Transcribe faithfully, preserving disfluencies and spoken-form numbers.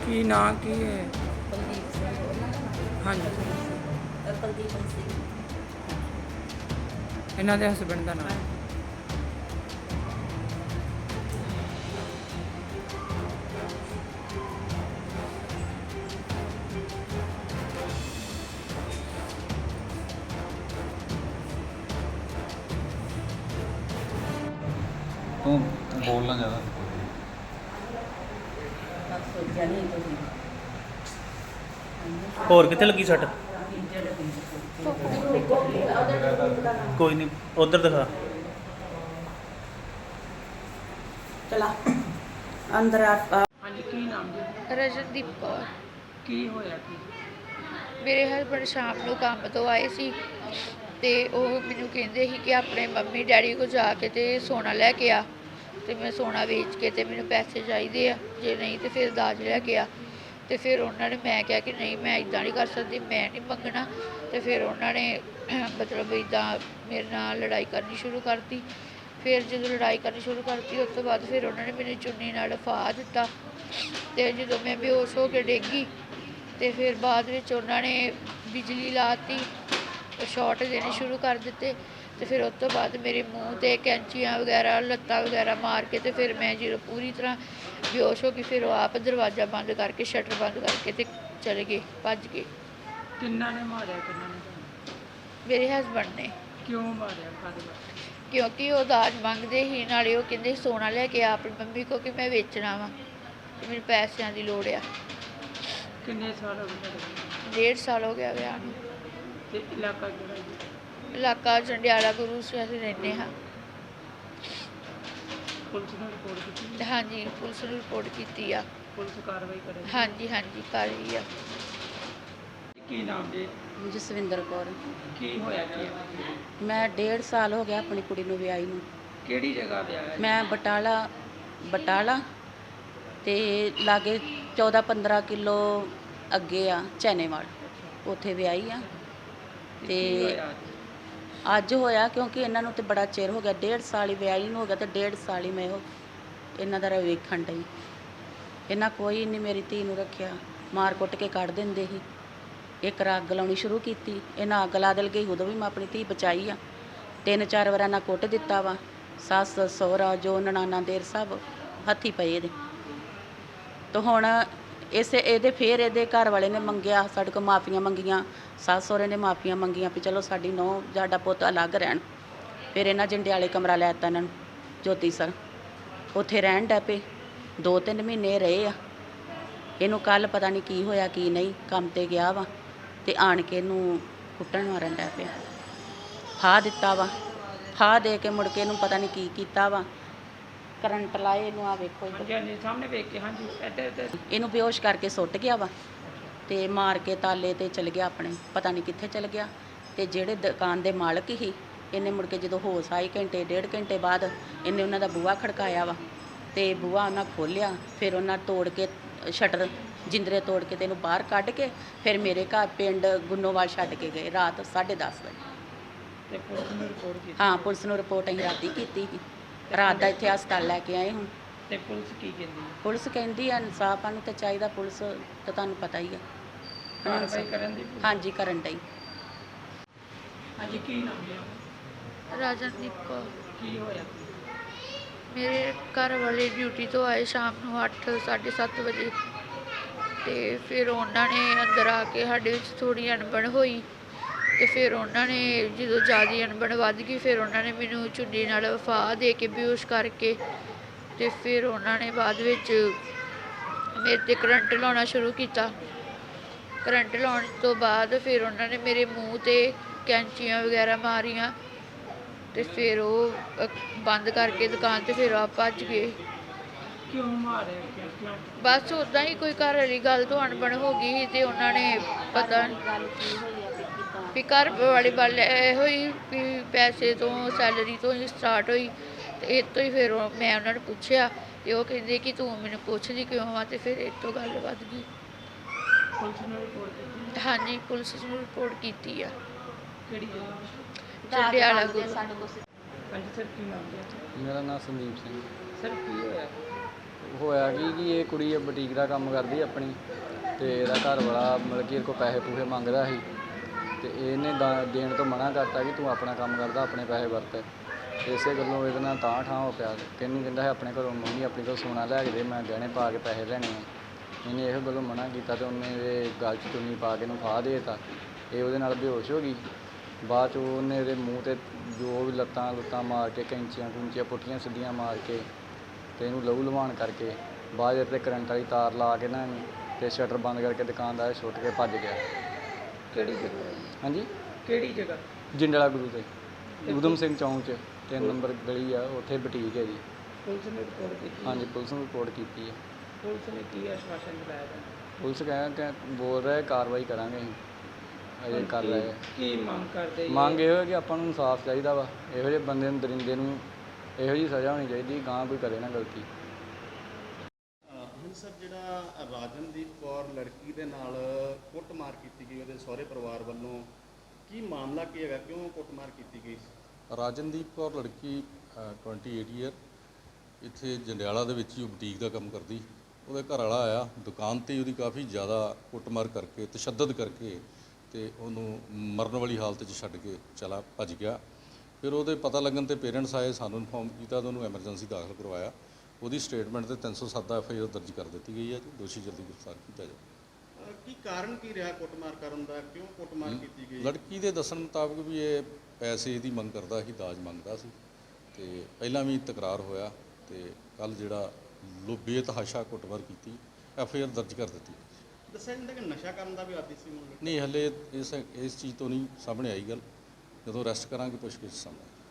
ਕੀ ਨਾਂ ਕੀ ਹੈ? ਕੁਲਦੀਪ ਸਿੰਘ ਉਹਨਾਂ ਦਾ ਨਾਮ ਹਾਂਜੀ, ਅ, ਕੁਲਦੀਪ ਸਿੰਘ। ਇਹਨਾਂ ਦੇ ਹਸਬੈਂਡ ਦਾ ਨਾਮ? ਤੂੰ ਬੋਲਣਾ ਜ਼ਿਆਦਾ। ਬਸ ਸੋਚਿਆ ਨਹੀਂ ਤੁਸੀਂ ਹੋਰ ਕਿੱਥੇ ਲੱਗੀ ਸੱਟ? ਕੋਈ ਨਹੀਂ, ਉਧਰ ਦਿਖਾ। ਚਲਾ ਅੰਦਰ ਆ। ਹਾਂਜੀ, ਕੀ ਨਾਮ ਜੀ? ਰਜਨਦੀਪ ਕੌਰ। ਕੀ ਹੋਇਆ ਕੀ? ਮੇਰੇ ਹਸਬੈਂਡ ਸ਼ਾਮ ਨੂੰ ਕੰਮ ਤੋਂ ਆਏ ਸੀ ਤੇ ਉਹ ਮੈਨੂੰ ਕਹਿੰਦੇ ਸੀ ਕਿ ਆਪਣੇ ਮੰਮੀ ਡੈਡੀ ਕੋਲ ਜਾ ਕੇ ਤੇ ਸੋਨਾ ਲੈ ਕੇ ਆ, ਤੇ ਮੈਂ ਸੋਨਾ ਵੇਚ ਕੇ ਤੇ ਮੈਨੂੰ ਪੈਸੇ ਚਾਹੀਦੇ ਆ, ਜੇ ਨਹੀਂ ਤੇ ਫਿਰ ਦਾਜ ਲੈ ਕੇ ਆ। ਤੇ ਫਿਰ ਉਹਨਾਂ ਨੇ, ਮੈਂ ਕਿਹਾ ਕਿ ਨਹੀਂ ਮੈਂ ਇੱਦਾਂ ਨਹੀਂ ਕਰ ਸਕਦੀ, ਮੈਂ ਨਹੀਂ ਮੰਗਣਾ। ਤੇ ਫਿਰ ਉਹਨਾਂ ਨੇ ਮਤਲਬ ਇੱਦਾਂ ਮੇਰੇ ਨਾਲ ਲੜਾਈ ਕਰਨੀ ਸ਼ੁਰੂ ਕਰਤੀ। ਫਿਰ ਜਦੋਂ ਲੜਾਈ ਕਰਨੀ ਸ਼ੁਰੂ ਕਰਤੀ ਉਸ ਤੋਂ ਬਾਅਦ ਫਿਰ ਉਹਨਾਂ ਨੇ ਮੈਨੂੰ ਚੁੰਨੀ ਨਾਲ ਫਾਹ ਦਿੱਤਾ। ਤੇ ਜਦੋਂ ਮੈਂ ਬੇਹੋਸ਼ ਹੋ ਕੇ ਡਿੱਗ ਗਈ ਤੇ ਫਿਰ ਬਾਅਦ ਵਿੱਚ ਉਹਨਾਂ ਨੇ ਬਿਜਲੀ ਲਾਤੀ, ਸ਼ਾਰਟ ਦੇਣੇ ਸ਼ੁਰੂ ਕਰ ਦਿੱਤੇ। ਤੇ ਫਿਰ ਉਸ ਤੋਂ ਬਾਅਦ ਮੇਰੇ ਮੂੰਹ 'ਤੇ ਕੈਂਚੀਆਂ ਵਗੈਰਾ, ਲੱਤਾਂ ਵਗੈਰਾ ਮਾਰ ਕੇ ਤੇ ਫਿਰ ਮੈਂ ਜਦੋਂ ਪੂਰੀ ਤਰ੍ਹਾਂ ਬੇਹੋਸ਼ ਹੋ ਗਈ, ਫਿਰ ਉਹ ਆਪ ਦਰਵਾਜ਼ਾ ਬੰਦ ਕਰਕੇ, ਸ਼ਟਰ ਬੰਦ ਕਰਕੇ ਤੇ ਚਲੇ ਗਏ, ਭੱਜ ਗਏ। ਕਿੰਨਾ ਨੇ ਮਾਰਿਆ, ਕਿੰਨਾ ਨੇ ਤੁਹਾਨੂੰ? ਮੇਰੇ ਹਸਬੈਂਡ ਨੇ। ਕਿਉਂ ਮਾਰਿਆ, ਕਾਹਦੇ ਵਾਸਤੇ? ਕਿਉਂਕਿ ਉਹ ਦਾਜ ਮੰਗਦੇ ਸੀ, ਨਾਲੇ ਉਹ ਕਹਿੰਦੇ ਸੀ ਸੋਨਾ ਲੈ ਕੇ ਆ ਆਪਣੀ ਮੰਮੀ ਕੋ ਕਿ ਮੈਂ ਵੇਚਣਾ ਵਾ ਤੇ ਮੈਨੂੰ ਪੈਸਿਆਂ ਦੀ ਲੋੜ ਆ। ਕਿੰਨੇ ਸਾਲ ਹੋ ਗਏ ਤੁਹਾਡੇ? ਡੇਢ ਸਾਲ ਹੋ ਗਿਆ ਵਿਆਹ ਨੂੰ। ਤੇ ਇਲਾਕਾ ਕਿਹੜਾ ਜੀ? ਇਲਾਕਾ ਜੰਡਿਆਲਾ ਗੁਰੂ ਸ ਅਸੀਂ ਰਹਿੰਦੇ ਹਾਂ। ਪੁਲਿਸ ਨੂੰ ਰਿਪੋਰਟ ਕੀਤੀ? ਹਾਂਜੀ, ਪੁਲਿਸ ਨੂੰ ਰਿਪੋਰਟ ਕੀਤੀ ਆ। ਪੁਲਿਸ ਕਾਰਵਾਈ ਕਰੇ? ਹਾਂਜੀ ਹਾਂਜੀ ਕਰ ਰਹੀ ਆ। ਕੀ ਨਾਮ ਜੀ? ਜਸਵਿੰਦਰ ਕੌਰ। ਕੀ ਹੋਇਆ ਕੀ? ਮੈਂ ਡੇਢ ਸਾਲ ਹੋ ਗਿਆ ਆਪਣੀ ਕੁੜੀ ਨੂੰ ਵਿਆਹੀ ਨੂੰ। ਕਿਹੜੀ ਜਗ੍ਹਾ ਤੇ ਆਇਆ? ਮੈਂ ਬਟਾਲਾ ਬਟਾਲਾ ਤੇ ਲਾਗੇ ਚੌਦਾਂ ਪੰਦਰਾਂ ਕਿਲੋ ਅੱਗੇ ਆ ਚੈਨੇਵਾਲ, ਉੱਥੇ ਵਿਆਹੀ ਆ। ਤੇ ਅੱਜ ਹੋਇਆ ਕਿਉਂਕਿ ਇਹਨਾਂ ਨੂੰ ਤੇ ਬੜਾ ਚਿਰ ਹੋ ਗਿਆ, ਡੇਢ ਸਾਲ ਹੀ ਵਿਆਹੀ ਨੂੰ ਹੋ ਗਿਆ ਤੇ ਡੇਢ ਸਾਲ ਹੀ ਮੈਂ ਉਹ ਇਹਨਾਂ ਦਾ ਵੇਖਣ ਡਈ। ਇਹਨਾਂ ਕੋਈ ਨਹੀਂ ਮੇਰੀ ਧੀ ਨੂੰ ਰੱਖਿਆ, ਮਾਰ ਕੁੱਟ ਕੇ ਕੱਢ ਦਿੰਦੇ ਸੀ। ਇੱਕ ਰ ਅੱਗ ਲਾਉਣੀ ਸ਼ੁਰੂ ਕੀਤੀ, ਇਹਨਾਂ ਅੱਗ ਲਾ ਦਿਲ ਗਈ, ਉਦੋਂ ਵੀ ਮੈਂ ਆਪਣੀ ਧੀ ਬਚਾਈ ਆ। ਤਿੰਨ ਚਾਰ ਵਾਰ ਇਹਨਾਂ ਕੁੱਟ ਦਿੱਤਾ ਵਾ, ਸੱਸ ਸਹੁਰਾ ਜੋ ਨਨਾਣਾ ਦੇਰ ਸਭ ਹੱਥੀ ਪਏ ਇਹਦੇ। ਤਾਂ ਹੁਣ ਇਸੇ ਇਹਦੇ ਫਿਰ ਇਹਦੇ ਘਰ ਵਾਲੇ ਨੇ ਮੰਗਿਆ, ਸਾਡੇ ਕੋਲ ਮਾਫੀਆਂ ਮੰਗੀਆਂ, ਸੱਸ ਸਹੁਰੇ ਨੇ ਮਾਫੀਆਂ ਮੰਗੀਆਂ ਵੀ ਚਲੋ ਸਾਡੀ ਨੂੰਹ ਸਾਡਾ ਪੁੱਤ ਅਲੱਗ ਰਹਿਣ। ਫਿਰ ਇਹਨਾਂ ਜੰਡਿਆਲੇ ਕਮਰਾ ਲੈ ਦਿੱਤਾ ਇਹਨਾਂ ਨੂੰ, ਜੋਤੀ ਸਰ, ਉੱਥੇ ਰਹਿਣ ਡੈ ਪਏ। ਦੋ ਤਿੰਨ ਮਹੀਨੇ ਰਹੇ ਆ। ਇਹਨੂੰ ਕੱਲ੍ਹ ਪਤਾ ਨਹੀਂ ਕੀ ਹੋਇਆ ਕੀ ਨਹੀਂ, ਕੰਮ 'ਤੇ ਗਿਆ ਵਾ ਤੇ ਆਣ ਕੇ ਇਹਨੂੰ ਕੁੱਟਣ ਮਾਰਨ ਡੈ ਪਿਆ। ਫਾਹ ਦਿੱਤਾ ਵਾ, ਫਾਹ ਦੇ ਕੇ ਮੁੜ ਕੇ ਇਹਨੂੰ ਪਤਾ ਨਹੀਂ ਕੀ ਕੀਤਾ ਵਾ, ਕਰੰਟ ਲਾਏ ਇਹਨੂੰ। ਆ ਵੇਖੋ ਹਾਂਜੀ ਹਾਂਜੀ, ਸਾਹਮਣੇ ਵੇਖ ਕੇ। ਹਾਂਜੀ, ਇੱਧਰ ਇੱਧਰ। ਇਹਨੂੰ ਬੇਹੋਸ਼ ਕਰਕੇ ਸੁੱਟ ਗਿਆ ਵਾ ਤੇ ਮਾਰ ਕੇ ਤਾਲੇ ਤੇ ਚਲ ਗਿਆ ਆਪਣੇ, ਪਤਾ ਨਹੀਂ ਕਿੱਥੇ ਚਲ ਗਿਆ। ਤੇ ਜਿਹੜੇ ਦੁਕਾਨ ਦੇ ਮਾਲਕ ਸੀ, ਇਹਨੇ ਮੁੜ ਕੇ ਜਦੋਂ ਹੋਸ਼ ਆਈ ਘੰਟੇ ਡੇਢ ਘੰਟੇ ਬਾਅਦ ਇਹਨੇ ਉਹਨਾਂ ਦਾ ਬੂਹਾ ਖੜਕਾਇਆ ਵਾ ਤੇ ਬੂਹਾ ਉਹਨਾਂ ਖੋਲ੍ਹਿਆ। ਫਿਰ ਉਹਨਾਂ ਤੋੜ ਕੇ ਸ਼ਟਰ ਜਿੰਦਰੇ ਤੋੜ ਕੇ ਤੇ ਇਹਨੂੰ ਬਾਹਰ ਕੱਢ ਕੇ ਫਿਰ ਮੇਰੇ ਘਰ ਪਿੰਡ ਗੁੰਨੋਵਾਲ ਛੱਡ ਕੇ ਗਏ ਰਾਤ ਸਾਢੇ ਦਸ ਵਜੇ। ਤੇ ਪੁਲਿਸ ਨੂੰ ਰਿਪੋਰਟ ਕੀਤੀ? ਹਾਂ, ਪੁਲਿਸ ਨੂੰ ਰਿਪੋਰਟ ਅਸੀਂ ਰਾਤੀ ਕੀਤੀ ਸੀ। ਰਾਤ ਦਾ ਇੱਥੇ ਹਸਪਤਾਲ ਲੈ ਕੇ ਆਏ ਹੁਣ। ਤੇ ਪੁਲਿਸ ਕੀ ਕਹਿੰਦੀ? ਪੁਲਿਸ ਕਹਿੰਦੀ ਆ ਇਨਸਾਫ ਨੂੰ ਤੇ ਚਾਹੀਦਾ, ਪੁਲਿਸ ਤਾਂ ਤੁਹਾਨੂੰ ਪਤਾ ਹੀ ਆ। ਕਾਰਵਾਈ ਕਰਨ ਦੀ? ਹਾਂਜੀ, ਕਰਨ ਡਈ। ਹਾਂਜੀ, ਕੀ ਨਾਮ ਜੀ? ਰਜਨਦੀਪ ਕੌਰ। ਕੀ ਹੋਇਆ? ਮੇਰੇ ਘਰ ਵਾਲੇ ਡਿਊਟੀ ਤੋਂ ਆਏ ਸ਼ਾਮ ਨੂੰ ਅੱਠ ਸਾਢੇ ਸੱਤ ਵਜੇ ਤੇ ਫਿਰ ਉਹਨਾਂ ਨੇ ਅੰਦਰ ਆ ਕੇ ਸਾਡੇ ਵਿੱਚ ਥੋੜ੍ਹੀ ਅਣਬਣ ਹੋਈ। ਤੇ ਫਿਰ ਉਹਨਾਂ ਨੇ ਜਦੋਂ ਜ਼ਿਆਦਾ ਅਣਬਣ ਵੱਧ ਗਈ, ਫਿਰ ਉਹਨਾਂ ਨੇ ਮੈਨੂੰ ਚੁੰਨੀ ਨਾਲ ਫਾਹ ਦੇ ਕੇ ਬੇਹੋਸ਼ ਕਰਕੇ ਤੇ ਫਿਰ ਉਹਨਾਂ ਨੇ ਬਾਅਦ ਵਿੱਚ ਮੇਰੇ 'ਤੇ ਕਰੰਟ ਲਾਉਣਾ ਸ਼ੁਰੂ ਕੀਤਾ। ਕਰੰਟ ਲਾਉਣ ਤੋਂ ਬਾਅਦ ਫਿਰ ਉਹਨਾਂ ਨੇ ਮੇਰੇ ਮੂੰਹ 'ਤੇ ਕੈਂਚੀਆਂ ਵਗੈਰਾ ਮਾਰੀਆਂ ਤੇ ਫਿਰ ਉਹ ਅ, ਬੰਦ ਕਰਕੇ ਦੁਕਾਨ ਤੇ ਫਿਰ ਆਪ ਭੱਜ ਗਏ। ਕਿਉਂ ਮਾਰਿਆ? ਕਿਉਂ ਕਿਉਂ? ਬਸ ਉੱਦਾਂ ਹੀ ਕੋਈ ਘਰ ਵਾਲੀ ਗੱਲ ਤੋਂ ਅਣਬਣ ਹੋ ਗਈ ਸੀ ਤੇ ਉਹਨਾਂ ਨੇ ਪਤਾ ਗੱਲ ਕੀ ਹੋਈ ਆ ਵੀ ਘਰ ਵਾਲੀ ਗੱਲ ਇਹੋ ਹੀ ਵੀ ਪੈਸੇ ਤੋਂ, ਸੈਲਰੀ ਤੋਂ ਹੀ ਸਟਾਰਟ ਹੋਈ। ਤੇ ਇਹ ਤੋਂ ਹੀ ਫਿਰ ਉਹ- ਮੈਂ ਉਹਨਾਂ ਨੂੰ ਪੁੱਛਿਆ ਤੇ ਉਹ ਕਹਿੰਦੇ ਕਿ ਤੂੰ ਮੈਨੂੰ ਪੁੱਛਦੀ ਕਿਉਂ ਆ, ਤੇ ਫਿਰ ਇਹ ਤੋਂ ਗੱਲ ਵੱਧ ਗਈ। ਪੁਲਿਸ ਨੂੰ ਰਿਪੋਰਟ ਕੀਤੀ? ਹਾਂਜੀ, ਪੁਲਿਸ ਨੂੰ ਰਿਪੋਰਟ ਕੀਤੀ ਆ। ਕਿਹੜੀ ਜਗ੍ਹਾ? ਜੰਡਿਆਲਾ ਗੁਰੂ। ਹਾਂਜੀ ਸਰ, ਕੀ ਨਾਮ ਜੀ? ਮੇਰਾ ਨਾਮ ਸੰਦੀਪ ਸਿੰਘ। ਸਰ, ਕੀ ਹੋਇਆ? ਹੋਇਆ ਕੀ ਕਿ ਇਹ ਕੁੜੀ ਬੁਟੀਕ ਦਾ ਕੰਮ ਕਰਦੀ ਆਪਣੀ ਤੇ ਇਹਦਾ ਘਰ ਵਾਲਾ ਮਤਲਬ ਕਿ ਇਹਦੇ ਕੋਲ ਪੈਸੇ ਪੂਸੇ ਮੰਗਦਾ ਸੀ ਤੇ ਇਹਨੇ ਦਾ- ਦੇਣ ਤੋਂ ਮਨਾ ਕਰਤਾ ਕਿ ਤੂੰ ਆਪਣਾ ਕੰਮ ਕਰਦਾ ਆਪਣੇ ਪੈਸੇ ਵਰਤ। ਇਸੇ ਗੱਲੋਂ ਇਹਦੇ ਨਾਲ ਤਾਂ ਠਾਂ ਹੋ ਪਿਆ। ਕਹਿੰਦੀ ਕਹਿੰਦਾ ਹੈ ਆਪਣੇ ਘਰੋਂ ਮੰਮੀ ਆਪਣੀ ਕੋਲ ਸੋਨਾ ਲੈ ਕੇ ਦੇ, ਮੈਂ ਗਹਿਣੇ ਪਾ ਕੇ ਪੈਸੇ ਲੈਣੇ ਆ। ਇਹਨੇ ਇਹੋ ਗੱਲੋਂ ਮਨਾ ਕੀਤਾ ਤੇ ਉਹਨੇ ਇਹਦੇ ਗਲ 'ਚ ਚੁੰਨੀ ਪਾ ਕੇ ਇਹਨੂੰ ਫਾਹ ਦੇ ਦਿੱਤਾ। ਇਹ ਉਹਦੇ ਨਾਲ ਬੇਹੋਸ਼ ਹੋ ਗਈ। ਬਾਅਦ 'ਚ ਉਹਨੇ ਇਹਦੇ ਮੂੰਹ 'ਤੇ ਜੋ ਵੀ ਲੱਤਾਂ ਲੁੱਤਾਂ ਮਾਰ ਕੇ ਕੈਂਚੀਆਂ ਕੁੰਚੀਆਂ ਪੁੱਠੀਆਂ ਸਿੱਧੀਆਂ ਮਾਰ ਕੇ ਤੇ ਇਹਨੂੰ ਲਹੂ ਲੁਹਾਣ ਕਰਕੇ ਬਾਅਦ 'ਚ 'ਤੇ ਕਰੰਟ ਵਾਲੀ ਤਾਰ ਲਾ ਕੇ ਨਾ ਇਹਨੂੰ ਤੇ ਸ਼ਟਰ ਬੰਦ ਕਰਕੇ ਦੁਕਾਨਦਾਰ ਛੁੱਟ ਕੇ ਭੱਜ ਗਿਆ। ਕਿਹੜੀ ਜਗ੍ਹਾ ਹਾਂਜੀ, ਕਿਹੜੀ ਜਗ੍ਹਾ? ਜਿੰਡਲਾ ਗੁਰੂ ਤੇ ਊਧਮ ਸਿੰਘ ਚੌਂਕ 'ਚ ਤਿੰਨ ਨੰਬਰ ਗਲੀ ਆ, ਉੱਥੇ ਬੁਟੀਕ ਹੈ ਜੀ। ਪੁਲਿਸ ਨੇ ਰਿਪੋਰਟ ਕੀਤੀ? ਹਾਂਜੀ, ਪੁਲਿਸ ਨੂੰ ਰਿਪੋਰਟ ਕੀਤੀ ਹੈ। ਪੁਲਿਸ ਨੇ ਕੀ ਆਸ਼ਵਾਸਨ ਦਿਲਾਇਆ ਤੁਹਾਨੂੰ? ਪੁਲਿਸ ਕਹਿ ਕਿ ਬੋਲ ਰਿਹਾ ਕਾਰਵਾਈ ਕਰਾਂਗੇ ਅਸੀਂ, ਅਜੇ ਕਰ ਰਹੇ ਆ। ਕੀ ਮੰਗ ਕਰਦੇ? ਮੰਗ ਇਹੋ ਹੈ ਕਿ ਆਪਾਂ ਨੂੰ ਇਨਸਾਫ ਚਾਹੀਦਾ ਵਾ। ਇਹੋ ਜਿਹੇ ਬੰਦੇ ਨੂੰ ਦਰਿੰਦੇ ਨੂੰ ਇਹੋ ਜਿਹੀ ਸਜ਼ਾ ਹੋਣੀ ਚਾਹੀਦੀ, ਗਾਂ ਕੋਈ ਕਰੇ ਨਾ ਗਲਤੀ। ਹੁਣ ਸਰ ਜਿਹੜਾ ਰਾਜਨਦੀਪ ਕੌਰ ਲੜਕੀ ਦੇ ਨਾਲ ਕੁੱਟਮਾਰ ਕੀਤੀ ਗਈ ਉਹਦੇ ਸਹੁਰੇ ਪਰਿਵਾਰ ਵੱਲੋਂ, ਕੀ ਮਾਮਲਾ ਕੀ ਹੈਗਾ, ਕਿਉਂ ਕੁੱਟਮਾਰ ਕੀਤੀ ਗਈ? ਰਾਜਨਦੀਪ ਕੌਰ ਲੜਕੀ ਅਠਾਈ ਈਅਰ ਇੱਥੇ ਜੰਡਿਆਲਾ ਦੇ ਵਿੱਚ ਹੀ ਉਹ ਬੁਟੀਕ ਦਾ ਕੰਮ ਕਰਦੀ। ਉਹਦਾ ਘਰ ਵਾਲਾ ਆਇਆ ਦੁਕਾਨ 'ਤੇ, ਉਹਦੀ ਕਾਫੀ ਜ਼ਿਆਦਾ ਕੁੱਟਮਾਰ ਕਰਕੇ ਤਸ਼ੱਦਦ ਕਰਕੇ ਤੇ ਉਹਨੂੰ ਮਰਨ ਵਾਲੀ ਹਾਲਤ 'ਚ ਛੱਡ ਕੇ ਚਲਾ ਭੱਜ ਗਿਆ। ਫਿਰ ਉਹਦੇ ਪਤਾ ਲੱਗਣ 'ਤੇ ਪੇਰੈਂਟਸ ਆਏ, ਸਾਨੂੰ ਇਨਫੋਰਮ ਕੀਤਾ ਤੇ ਉਹਨੂੰ ਐਮਰਜੈਂਸੀ ਦਾਖਲ ਕਰਵਾਇਆ। ਉਹਦੀ ਸਟੇਟਮੈਂਟ 'ਤੇ ਤਿੰਨ ਸੌ ਸੱਤ ਦਾ ਐਫ ਆਈ ਆਰ ਦਰਜ ਕਰ ਦਿੱਤੀ ਗਈ ਹੈ ਜੀ। ਦੋਸ਼ੀ ਜਲਦੀ ਗ੍ਰਿਫਤਾਰ ਕੀਤਾ ਜਾਵੇ। ਕੀ ਕਾਰਨ ਕੀ ਰਿਹਾ ਕੁੱਟਮਾਰ ਕਰਨ ਦਾ, ਕਿਉਂ ਕੁੱਟਮਾਰ ਕੀਤੀ ਗਈ? ਲੜਕੀ ਦੇ ਦੱਸਣ ਮੁਤਾਬਕ ਵੀ ਇਹ ਪੈਸੇ ਦੀ ਮੰਗ ਕਰਦਾ ਸੀ, ਦਾਜ ਮੰਗਦਾ ਸੀ ਤੇ ਪਹਿਲਾਂ ਵੀ ਤਕਰਾਰ ਹੋਇਆ ਤੇ ਕੱਲ ਜਿਹੜਾ ਲੋ ਬੇਤਹਾਸ਼ਾ ਕੁੱਟਮਾਰ ਕੀਤੀ, ਐਫ ਆਈ ਆਰ ਦਰਜ ਕਰ ਦਿੱਤੀ। ਦੱਸਿਆ ਜਾਂਦਾ ਕਿ ਨਸ਼ਾ ਕਰਨ ਦਾ ਵੀ ਆਦੀ ਸੀ ਮੁੰਡਾ। ਨਹੀਂ, ਹਲੇ ਇਸ ਇਸ ਚੀਜ਼ ਤੋਂ ਨਹੀਂ ਸਾਹਮਣੇ ਆਈ ਗੱਲ। ਜਦੋਂ ਅਰੈਸਟ ਕਰਾਂਗੇ ਪੁੱਛਗਿੱਛ ਸਾਹਮਣੇ